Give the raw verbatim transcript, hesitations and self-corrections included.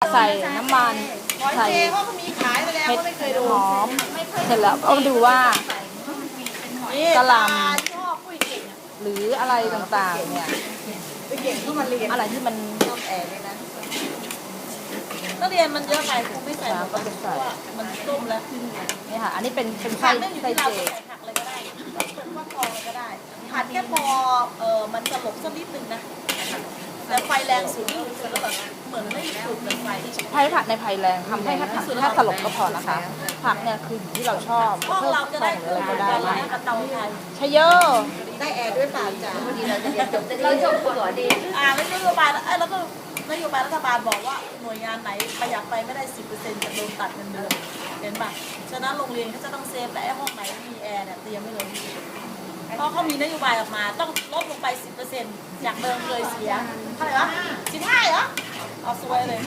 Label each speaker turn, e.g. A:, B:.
A: ใส่น้ำมันใส่
B: เขาก็มีขายไปแล้ว
A: เห็ด
B: ก็ไม่เคยดู
A: หอมเสร็จแล้วก็ดูว่า กะหล่ำ
B: ชอบปุ้ยเก่ง
A: หรืออะไรต่างๆเนี่ย
B: ปุ้ยเก่งเข้ามาเรียน
A: อะไรที่มัน
B: ชอบแอร์เลยนะนักเรียนมันเยอะไปครูไม่ใส่หมดเพราะว่ามันต้มแล้ว
A: นี่ค่ะ อันนี้เป็นเป็น
B: ผั
A: ไส้
B: กไม่อยู่
A: ไส้
B: ที่เรา
A: เจ
B: ใส่ผักเลยก็ได้เป็นฟักทองเลยก็ได้ผัดแค่พอเออมันสลบสักนิดนึงนะแต่ไฟแรงสุดนี่คือแล้วแบบเหมือนไม่ถูกเลยไฟ
A: ไผ่ผัดในไผ่แรงทำให้แค่ผักแค่สลบก็พอนะคะ ผักเนี่ยคืออยู่ที่เราชอบ
B: ห้อง
A: เพิ่ม
B: เราจะ
A: ใส่
B: ได้
A: อะไร
B: คือ
A: ก็
B: ได้
A: ได้
B: กระเตาไทย
A: ชะเยอะ
B: ได้แอร์ด้วยเปล่าจ้า
C: เราจบหัวดี
B: อ่าแล้วนโยบายเอ้ยแล้วก็นโยบายรัฐบาลบอกว่าหน่วยงานไหนประหยัดไปไม่ได้สิบเปอร์เซ็นต์จะโดนตัดเงินเดือนเห็นปะฉะนั้นโรงเรียนเขาจะต้องเซฟและไอ้ห้องไหนมีแอร์เนี่ยเตรียมไว้เลยเพราะเขามีนโยบายออกมาต้องลดลงไปสิบเปอร์เซ็นต์จากเดิมเคยเสียเท่าไหร่วะสิบห้าเหรอเอาสวยเลย